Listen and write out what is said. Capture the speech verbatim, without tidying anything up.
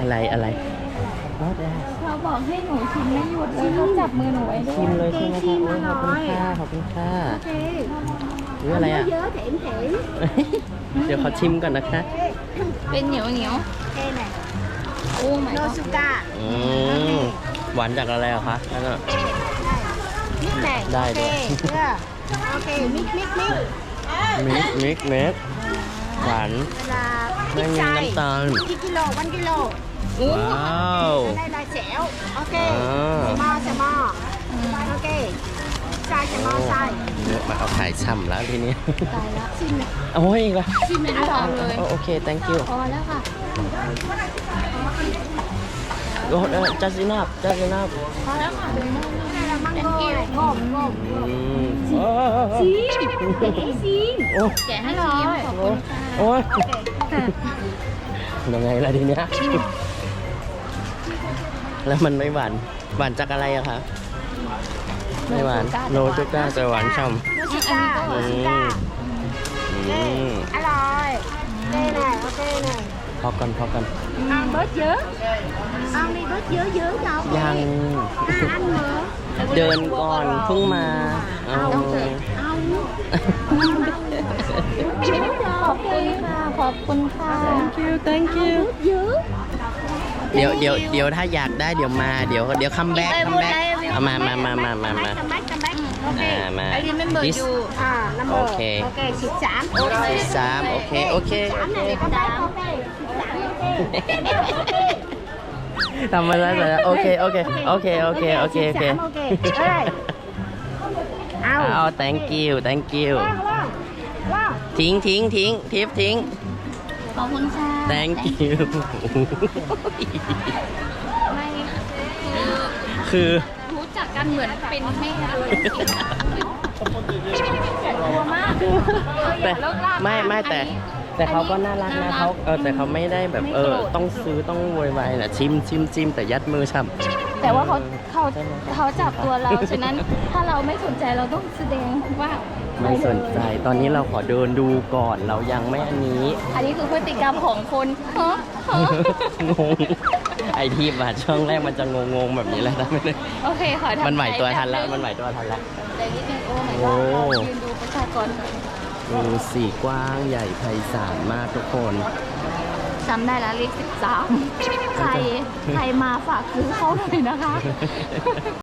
อะไรอะไรรอดได้เขาบอกให้หนูชิมไม่หยุดเลยเขาจับมือหนูไว้ด้วชิมยเลยใช่ไหมคะโอ้ยขอบคุณค่ะขอบคุณค่ะหรืออะไรอ่ะ เดี๋ยวขอชิมก่อนนะคะเป็นเหนียวเหนียวโอ้ไม่ก็อืมหวานจากอะไรอะคะนั่นอะได้ด้วยโอเคมิกมิกมิกมิกมิกมิกหวานเวลาไม่มีน้ำตาลกี่กิโลวันกิโลว้าวได้ลายแจ๋วโอเคอ่าใส่หม้อใส่หม้อโอเคใส่ใส่หม้อใส่เยอะมาเอาขายช่ำแล้วทีนี้ตายแล้วชิมโอ้ยอีกแล้วชิมไม่ได้ทำเลยโอเค thank you พอแล้วค่ะโอ้เออ just enough just enough พอแล้วค่ะได้ละมังโก้งมงมอืมชิมแกะให้ชิมโอ้แกะให้ชิมขอบคุณค่ะโอ้ยโอเคยังไงล่ะทีเนี้ยแล้วมันไม่หวาน หวานจากอะไรอะคะ ไม่หวาน โนจูก้าแต่หวานช่ำโนชิก้าโนชิก้าอืเอ้มอร่อยเอ้หน่อยโอเคหน่อยพอกันพอกัน ăn bớt dớ ăn đi bớt dớ dớ đâu ยัง à, ăn nữa เดินก่อนเพิ่งมาเอา ăn ขอบคุณค่ะ ขอบคุณค่ะ thank you thank you bớt dớ เดี๋ยวเดี๋ยวเดี๋ยวถ้าอยากได้เดี๋ยวมาเดี๋ยวเดี๋ยวคัมแบ็กคัมแบ็กเอามามามามามามา come back come back มามา I remember This you à number Ok. ok xịt sám สิบสามโอเคโอเค sám này come back ok xịt sám ok ทำมาแล้วเสร็จแล้วโอเคโอเคโอเคโอเคโอเคโอเค xịt sám ok ơi เอา ao thank you thank you wow wow wow ทิ้งทิ้งทิ้งทิปทิ้งขอบคุณค่ะ thank you ไม่คือรู้จักกันเหมือนเป็นแม่เลยกลัวมากแต่อย่าเลิกลากไม่ไม่แต่ แต่เขาก็น่ารักนะเขาเออแต่เขาไม่ได้แบบเออต้องซื้อต้องโวยวายนะชิมชิมชิมแต่ยัดมือช่ำแต่ว่าเขาเขาเขาจับตัวเรา ฉะนั้นถ้าเราไม่สนใจเราต้องแสดงว่าไม่สนใจตอนนี้เราขอเดินดูก่อนเรายังไม่อันนี้อันนี้คือพฤติกรรมของคนฮะฮะงงไอที่มาช่องแรกมันจะงงงๆแบบนี้แหละนะโอเคขอทำมันไหวตัวทันแล้วใจมันไหวตัวทันแล้วใจนิดนึงโอ้ my โอ้ god เรายืนดูประชากรดูสีกว้างใหญ่ไพศาลมากทุกคนจำได้แล้วเลขสิบสามใครใครมาฝากซื้อเขาหน่อยนะคะ